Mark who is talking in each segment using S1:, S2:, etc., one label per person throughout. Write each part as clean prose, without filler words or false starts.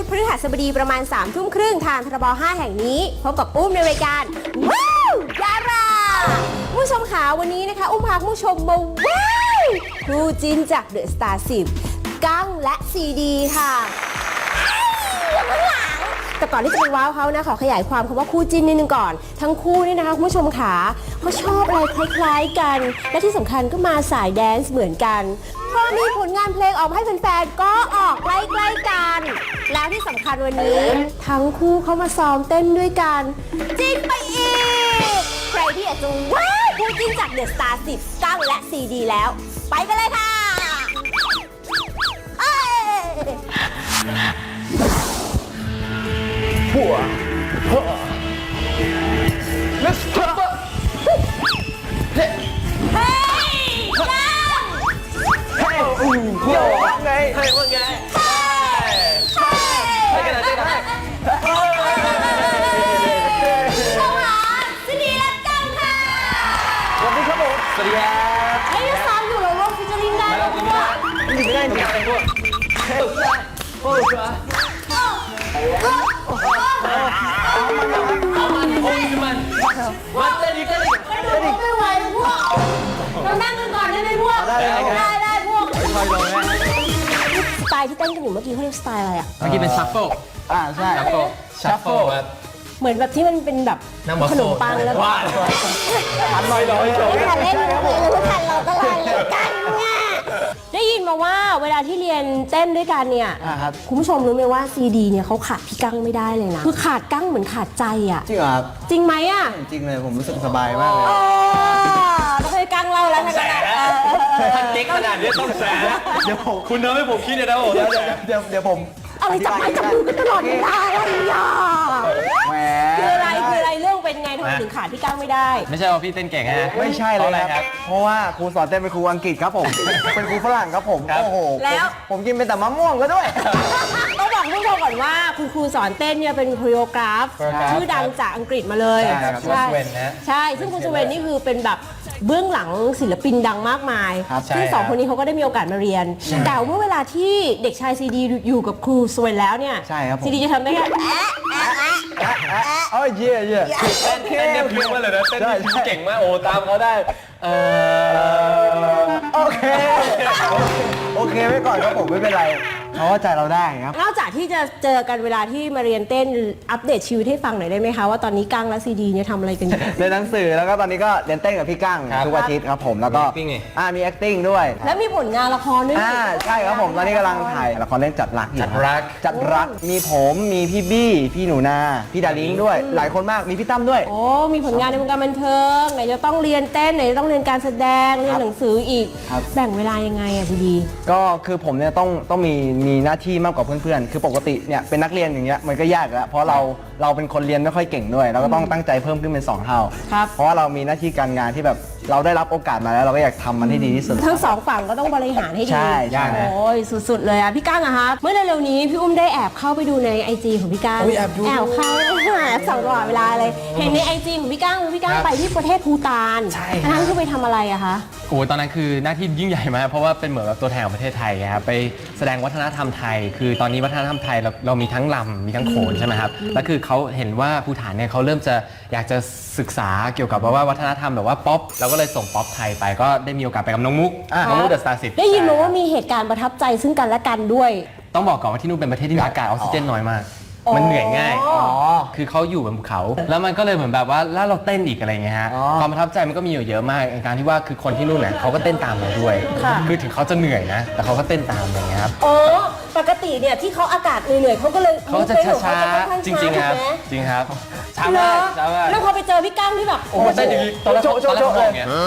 S1: พฤหัสบดีประมาณ3 ทุ่มครึ่งทางทรบ5แห่งนี้พบกับอุ้มในรายการว้าวดาราผู้ชมขาวันนี้นะคะอุ้มพาผู้ชมมาว้าวครูจินจากเดอะสตาร์10กั้งและซีดีค่ะแต่ก่อนที่จะไปว้าวเขานะขอขยายความคำว่าคู่จิ้นนิดนึงก่อนทั้งคู่นี่นะคะคุณผู้ชมขาเขาชอบอะไรคล้ายๆกันและที่สำคัญก็มาสายแดนซ์เหมือนกันพอมีผลงานเพลงออกมาให้แฟนๆก็ออกใกล้ๆกันแล้วที่สำคัญวันนี้ทั้งคู่เขามาซ้อมเต้นด้วยกันจิ้นไปอีกใครที่อยากจะว้าวคู่จิ้นจากเดอะสตาร์10กั้งและซีดีแล้วไปกันเลยค่ะ
S2: Let's pop up. Hey.
S1: Hey.
S2: Hey. Yo. ว่าไง Hey ว่าไง Hey กันหน่อยได้ไหม
S1: สวัสดีและกั้งค่ะ
S2: สวัสดีครับผมสวัสดีครับ
S1: ไอ้ที่ซ้อมอยู่เราลงฟิชเจอริงได้แล้วว่า
S2: ไม่ได้จริงๆพวกเฮ้ยโอ้ยมันเต้นอีก
S1: ไม่ไหวพวกเรานั่งกันก่อนได้ไหมพวกได้พวก
S2: คอยลงนะ
S1: สไตล์ที่เต้นกันอยู่เมื่อกี้เขาเรียกสไตล์อะไรอ่ะ
S3: เมื่อกี้เป็นชัฟเฟิล
S2: ใช่ชัฟเฟิลครับ
S1: เหมือนแบบที่มันเป็นแบบขนมปังแล้วก็
S2: ทันลอย
S1: ไม่ทันเล่นเลยไม่ทันเราก็ลอยเลยกันเนี่ยได้ยินมาว่าเวลาที่เรียนเต้นด้วยกันเนี่ยคุณผู้ชมรู้ไหมว่าซีดีเนี่ยเขาขาดพี่กั้งไม่ได้เลยนะคือขาดกั้งเหมือนขาดใจอ่ะ
S4: จริงเหรอครับ
S1: จริงไหมอ่ะ
S4: จริงเลยผมรู้สึกสบายมากเลย
S1: ต้องให้กั้งเล่าแล้วนะ
S2: ท่านเก๊กขนาดนี้ต้องแสเดี๋ยวคุณทำให้ผมคิดเลยนะผม
S4: เดี๋ยวผม
S1: อะไรจับไม้จับมือกันตลอดเวลาอะไรอ่ะ
S4: แหม
S1: คืออะไรเรื่องเป็นไงทำไมถึงขาดพี่กั้งไม่ได้
S3: ไม่ใช่ว่าพี่เต้นเก่งนะ
S4: ไม่ใช่เลยครับ เพราะว่าครูสอนเต้นเป็นครูอังกฤษครับผม เป็นครูฝรั่งครับผม โอ้โห
S1: แล้ว
S4: ผมกินเป็นแต่มะม่วงก็ด้วย
S1: ต้องบอกผู้ชมก่อนว่าคุณครูสอนเต้นเนี่ยเป็นโคโรกราฟชื่อดังจากอังกฤษมาเลย
S4: ใช่ครับ
S3: สเวนนะ
S1: ใช่ซึ่งคุณสเวนนี่คือเป็นแบบเบื้องหลังศิลปินดังมากมาย
S4: ครับ
S1: ซึ่งสองคนนี้เขาก็ได้มีโอกาสมาเรียน แต่เมื่อเวลาที่เด็กชายซีดีอยู่กับครูสเวนแล้วเนี่ย
S4: ใช่ครับผม
S1: ซีดีจะทำได้แค่
S4: โอ้ยเย่
S2: เต้นเนี่ยเพี้ยนมาเลยนะเต้นนี่เก่งมากโอ้ตามเขาได้
S4: โอเคไว้ก่อนครับผมไม่เป็นไรเขาเข้าใจเราได้ครับ
S1: นอกจากที่จะเจอกันเวลาที่มาเรียนเต้นอัปเดตชีวิตให้ฟังหน่อยได้ไหมคะว่าตอนนี้กั้งและซีดีเนี่ยทำอะไรกันอยู่
S4: เรียนหนังสือแล้วก็ตอนนี้ก็เรียนเต้นกับพี่กั้งทุกอาทิตย์ครับผมแล้วก็
S3: มี acting ไง
S4: มี acting ด้วย
S1: แล้วมีผลงานละครด้วย
S4: ใช่ครับผมตอนนี้กำลังถ่ายละครเรื่องจัดรักอยู่
S3: จัดรัก
S4: จัดรักมีผมมีพี่บี้พี่หนูนาพี่ดาริงด้วยหลายคนมากมีพี่ตั้มด้วย
S1: โอ้มีผลงานในวงการบันเทิงไหนจะต้องเรียนเต้นไหนจะต้องเรียนการแสดงเรียนหนังสืออีก
S4: ครับ
S1: แบ่งเวลายังไงอะซีดี
S4: ก็คือผมเนี่ยต้องมีหน้าที่มากกว่าเพื่อนๆคือปกติเนี่ยเป็นนักเรียนอย่างเงี้ยมันก็ยากแล้วเพราะเราเป็นคนเรียนไม่ค่อยเก่งด้วยเราก็ต้องตั้งใจเพิ่มขึ้นเป็น2 เท่า
S1: ครับ
S4: เพราะว่าเรามีหน้าที่การงานที่แบบเราได้รับโอกาสมาแล้วเราก็อยากทำมันให้ดีที่สุด
S1: ทั้งสองฝั่งก็ต้องบริหารให้ดี
S4: ใช่ใช่
S1: โอ้ยสุดๆเลยอะพี่ก้างอะคะเมื่อเร็วๆนี้พี่อุ้มได้แอบเข้าไปดูใน IG ของพี่ก้างแอบเข้าแอบส่องตลอดเวลาเลยเห็นใน IG ของพี่ก้างไปที่ประเทศภูฏานนั่นคือไปทำอะไรอะคะ
S3: โอ้ตอนนั้นคือหน้าที่ยิ่งใหญ่มากเพราะว่าเป็นเหมือนแบบตัวแทนของประเทศไทยครับไปแสดงวัฒนธรรมไทย คือตอนนี้วัฒนธรรมไทยเรามีทั้งลำมีทั้งโขนใช่ไหมครับแล้วคือเขาเห็นว่าภูฏานเนี่ยเขาเริ่มจะอยากจะศึกษาเกี่ยวกับว่าวัฒนธรรมแบบว่าป๊อปเราก็เลยส่งป๊อปไทยไปก็ได้มีโอกาสไปกับน้องมุกเดอะสตาร์10
S1: ได้ยินมาว่ามีเหตุการณ์ประทับใจซึ่งกันและกันด้วย
S3: ต้องบอกก่อนว่าที่นู่นเป็นประเทศที่มีอากาศออกซิเจนน้อยมากมันเหนื่อยง่ายคือเขาอยู่บนภูเขา แล้วมันก็เลยเหมือนแบบว่าแล้วเราเต้นอีกอะไรเงี้ยฮะความประทับใจมันก็มีอยู่เยอะมากในการที่ว่าคือคนที่นู่นเนี่ยเขาก็เต้นตามเราด้วยคือถึงเขาจะเหนื่อยนะแต่เขาก็เต้นตามอย่างเงี้ยครับ
S1: อ๋อปกติเนี่ยที่เขาอากาศเหนื่อยๆเขาก็เลย
S3: เขาจะช้าๆจริงๆครับจริงครับช้ามากช้ามาก
S1: แล้วพอไปเจอพี่กั้งที่แบบ
S3: โอ้เต้นอย่างนี้ตอนแรกมองเงี้ย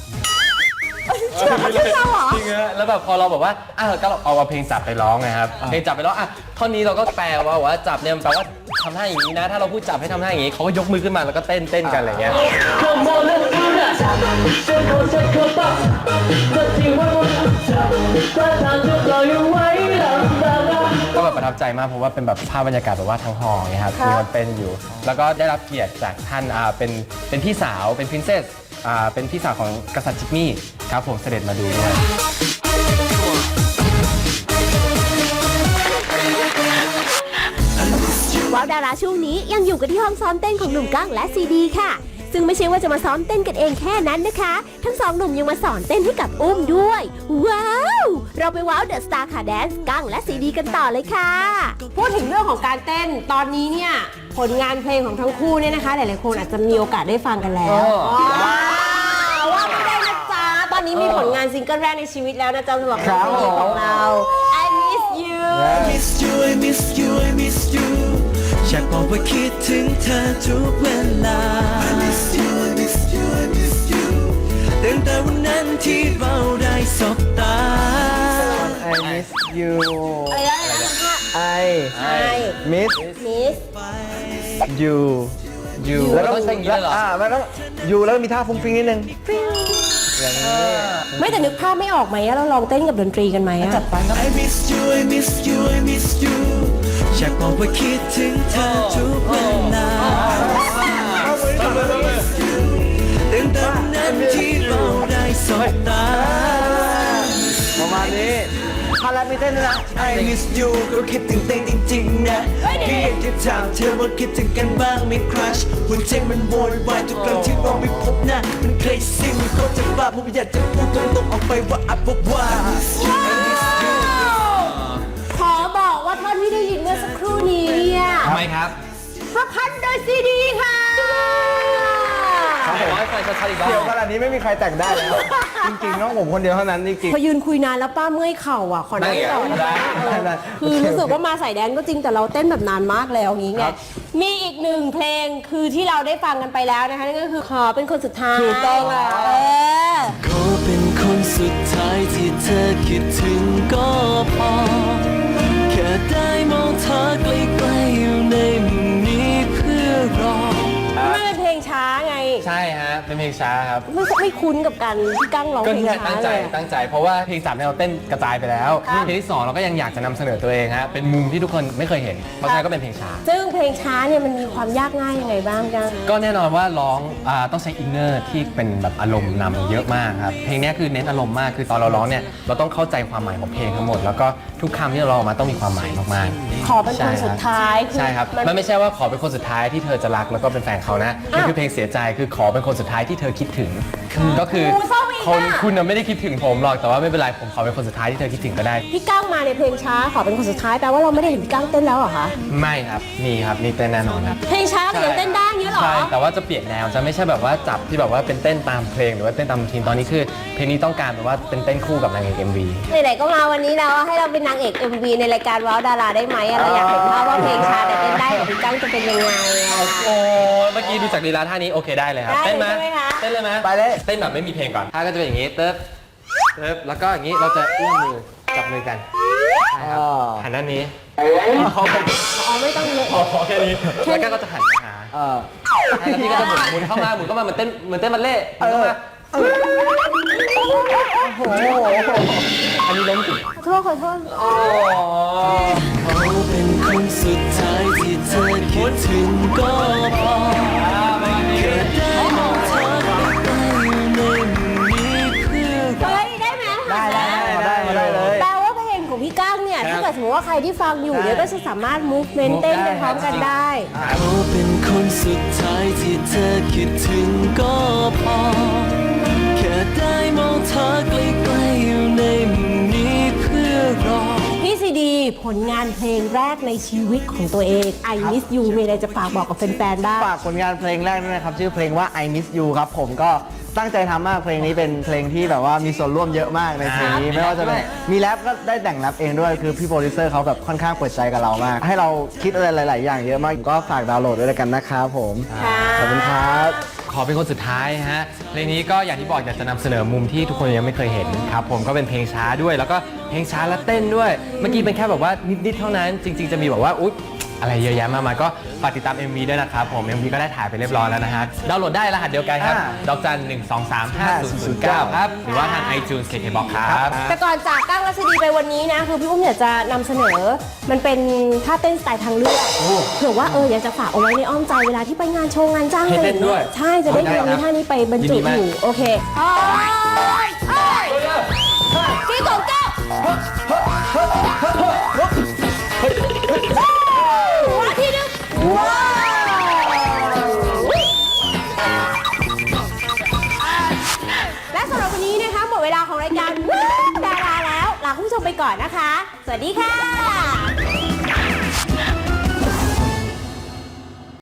S1: ชื่อเราเหรอ
S3: จริงฮะแล้วแบบพอเราบอกว่าก็เอาเพลงจับไปร้องนะครับเพลงจับไปร้องท่อนนี้เราก็แปลว่าจับเนี่ยแปลว่าทำท่าอย่างนี้นะถ้าเราพูดจับให้ทำท่าอย่างนี้เขาก็ยกมือขึ้นมาแล้วก็เต้นกันอะไรเงี้ยก็แบบประทับใจมากเพราะว่าเป็นแบบภาพบรรยากาศแบบว่าทั้งหอเงี้ยครับมีคนเต้นอยู่แล้วก็ได้รับเกียรติจากท่านเป็นพี่สาวเป็นพรินเซสเป็นพี่สาวของกษัตริย์จิกมี่ครับผมเสด็จมาดูด้วย
S1: ดาราช่วงนี้ยังอยู่กันที่ห้องซ้อมเต้นของหนุ่มกั้งและซีดีค่ะ ซึ่งไม่ใช่ว่าจะมาซ้อมเต้นกันเองแค่นั้นนะคะ ทั้งสองหนุ่มยังมาสอนเต้นให้กับอุ้มด้วย ว้าว เราไปว้าวเดอะสตาร์ขาแดนซ์กั้งและซีดีกันต่อเลยค่ะ พูดถึงเรื่องของการเต้นตอนนี้เนี่ยผลงานเพลงของทั้งคู่เนี่ยนะคะหลายๆคนอาจจะมีโอกาสได้ฟังกันแล้วว้าวว่าไม่ได้นะจ๊ะตอนนี้มีผลงานซิงเกิลแรกในชีวิตแล้วนะจ๊ะสำหรับเพลงของเรา I miss you
S5: miss you I miss you I miss you อยากบอกว่าคิดถึงเธอทุกเวลา I miss you I miss you I miss you ตั้งแต่วันนั้นที่เราได้สบตา
S4: I miss you
S1: อะไรนะ
S4: I miss
S1: miss
S4: you
S3: แล้วต้องใช้อย่างนี้เลยเหรอ
S4: มันต้อง you แล้วมีท่าฟุ้งฟิ้งนิดนึงอย่างนี้
S1: ไม่แต่นึกภาพไม่ออกไหมอะเราลองเต้นกับดนตรีกันไหมอะ
S5: I miss you I miss you I miss you อยากบอกว่าคิดถึงเธอทุกเวลาตั้งแต่วันนั้นที่เราได้สบตา
S4: ประมาณนี้พารามีเต้นด้วยนะ
S5: I miss you ก็คิดถึงเต้จริงๆนะพี่อยากจะถามเธอว่าคิดถึงกันบ้างไหมครัชหัวใจมันโวยวายทุกครั้งที่เราไม่พบหน้ามัน crazy มันก็จะบ้าผมอยากจะพูดตรงๆออกไปว่าอับว่า
S1: ขอบอกว่าท่อนที่ได้ยินเมื่อสักครู่นี้เนี่ย
S3: ทำไมครับ
S1: ประพันธ์โดยซีดีค่ะ
S3: ไหนร้อยไฟชัดๆอีกรอบ
S4: เดี๋ยวขนาดนี้ไม่มีใครแต่งได้แล้ว จริงๆต้องผมคนเดียวเท่านั้นจริง
S1: พอยืนคุยนานแล้วป้าเมื่อยเข่าอ่ะขอนั่งก่อน
S3: ได้
S1: คือรู้สึกว่ามาใส่แดนก็จริงแต่เราเต้นแบบนานมากแล้วอย่างงี้ไงมีอีกหนึ่งเพลงคือที่เราได้ฟังกันไปแล้วนะคะนั่นก็คือขอเป็นคนสุดท้าย
S4: ถูกต้องแล้ว
S5: ขอเป็นคนสุดท้ายที่เธอคิดถึงก็พอแค่ได้มองเธอใกล้ๆอยู่ในมุมนี้เพื่อรอ
S1: มันเป็นเพลงช้าไง
S3: ใช่ฮะ เป็นเพลงช้าครับ
S1: ไม่คุ้นกับการที่กั้งร้อง
S3: ก็
S1: เพลง
S3: เนี่ย
S1: ช้า
S3: ตั้งใจ
S1: เลย
S3: ตั้งใจ เพราะว่าเพลง3เนี่ยเราเต้นกระจายไปแล้ว เพลงที่2เราก็ยังอยากจะนำเสนอตัวเองฮะ เป็นมุมที่ทุกคนไม่เคยเห็น เพราะฉะนั้นก็เป็นเพลงช้า
S1: ซึ่งเพลงช้าเนี่ยมันมีความยากง่ายยังไงบ้างกั้ง
S3: ก็แน่นอนว่าร้องต้องใช้อินเนอร์ที่เป็นแบบอารมณ์นำเยอะมากครับ เพลงเนี้ยคือเน้นอารมณ์มาก คือตอนเราร้องเนี่ยเราต้องเข้าใจความหมายของเพลงทั้งหมด แล้วก็ทุกคำที่เราร้องออกมาต้องมีความหมายมากๆ
S1: ขอเป็นคนสุดท้าย
S3: ใช่ครับ มันไม่ใช่ว่าขอเป็นคนสุดท้ายที่เธอจะรักแล้วก็เป็นแฟนเขานะมันคือเพลงเสียใจคือขอเป็นคนสุดท้ายที่เธอคิดถึง ก็คือคุณน่ะไม่ได้คิดถึงผมหรอกแต่ว่าไม่เป็นไรผมขอเป็นคนสุดท้ายที่เธอคิดถึงก็ได้
S1: พี่กั้งมาในเพลงช้าขอเป็นคนสุดท้ายแปลว่าเราไม่ได้เห็นพี่กั้งเต้นแล้วเหรอคะ
S3: ไม่ครับมีครับมีเต้นแน่นอนครับ
S1: เพลงช้าแต่ยังเต้นได้อย่างเงี้ยเหรอ
S3: ใช่แต่ว่าจะเปลี่ยนแนวจะไม่ใช่แบบว่าจับที่แบบว่าเป็นเต้นตามเพลงหรือว่าเต้นตามทีมตอนนี้คือเพลงนี้ต้องการแบบว่าเป็นเต้นคู่กับนางเอก MV
S1: ไหนๆก็มาวันนี้แล้วให้เราเป็นนางเอก MV ในรายการว้าวดาราได้ไหมเราอยากเห็นภาพว่าเพลงช้าแต่เต้นได้กับพี่กั้งจะเป็นยังไงอะ
S3: โอ้เมื่อกี้ดูจากลีลาท่านี้โอเคได้เลยครับ
S1: ได้
S3: เต้นไหม
S1: ใช่ไหมคะ
S3: เต้นเลยไหม
S4: ไปเลย
S3: เต้นแบบไม่มีเพลงก่อนท่าก็จะเป็นอย่างนี้เติบแล้วก็อย่างนี้เราจะเอื้อมมือจับมือกันใช่ครับหันด้านนี้
S1: อ๋อไม่ต้องเลย
S3: พอแค่นี้แล้วก็จะหันไปหา แล้วพี่ก็จะหมุนเข้ามาเหมือนเต้นบัลเล่ต์หมุนเข้ามาอันนี้ล้มสิ
S1: ขอโทษ
S5: เขาเป็นคนสุดท้ายที่เธอคิดถึงก็พอแค่ได้มองเธอใกล้ๆอยู่ในมุมนี้เพื่อรอ
S1: เฮ้ยได้ไหม
S4: ได้เลย
S1: แปลว่าเพลงของพี่กั้งเนี่ยถ้าเกิดสมมติว่าใครที่ฟังอยู่เนี่ยก็จะสามารถ movement เต้นไปพร้อมกันได้
S5: เขาเป็นคนสุดท้ายที่เธอคิดถึงก็พอแค่ได้มองเธอใกล้ๆอยู่ในมุมนี้เพื่อรอ
S1: พี่ซีดีผลงานเพลงแรกในชีวิตของตัวเอง I Miss You มีอะไรจะฝากบอกกับแฟนๆบ้าง
S4: ฝากผลงานเพลงแรกด้วยนะครับชื่อเพลงว่า I Miss You ครับผมก็ตั้งใจทำมากเพลงนี้เป็นเพลงที่แบบว่ามีส่วนร่วมเยอะมากในเพลงนี้ไม่ว่าจะเป็นมีแรปก็ได้แต่งแรปเองด้วยคือพี่โปรดิวเซอร์เขาแบบค่อนข้างเปิดใจกับเรามาก ให้เราคิดอะไรหลาย ๆ อย่างเยอะมากก็ฝากดาวน์โหลดด้วยกันนะครับผม
S1: ค่ะ
S4: ขอบคุณครับ
S3: ขอเป็นคนสุดท้ายฮะเพลงนี้ก็อย่างที่บอกอยากจะนำเสนอมุมที่ทุกคนยังไม่เคยเห็นครับผมก็เป็นเพลงช้าด้วยแล้วก็เพลงช้าและเต้นด้วย เมื่อกี้เป็นแค่แบบว่านิดๆเท่านั้นจริง ๆจะมีแบบว่าอุ๊ยอะไรเยอะแยะมากมายก็ฝากติดตาม MV ด้วยนะครับผม MV ก็ได้ถ่ายไปเรียบร้อยแล้วนะฮะดาวน์โหลดได้รหัสเดียวกันครับดอกจัน 1235009 ครับหรือว่าทาง iTunes KKBOX ครับ
S1: แต่ก่อนจากกั้งและซีดีไปวันนี้นะคือพี่อุ้มอยากจะนำเสนอมันเป็นท่าเต้นสไตล์ทางเลือกเผื่อว่าอยากจะฝากเอาไว้ในอ้อมใจเวลาที่ไปงานโชว์งานจ้าง
S3: ให้เต้นด้วย
S1: ใช่จะได้มีท่านี้ไปบรรจุ
S3: ยินดีมาก
S1: อยู่โอเคพี่กบแก้วหัวทีนึงเวลาของรายการดาราแล้วลาคุณผู้ชมไปก่อนนะคะ สวัสดีค่ะ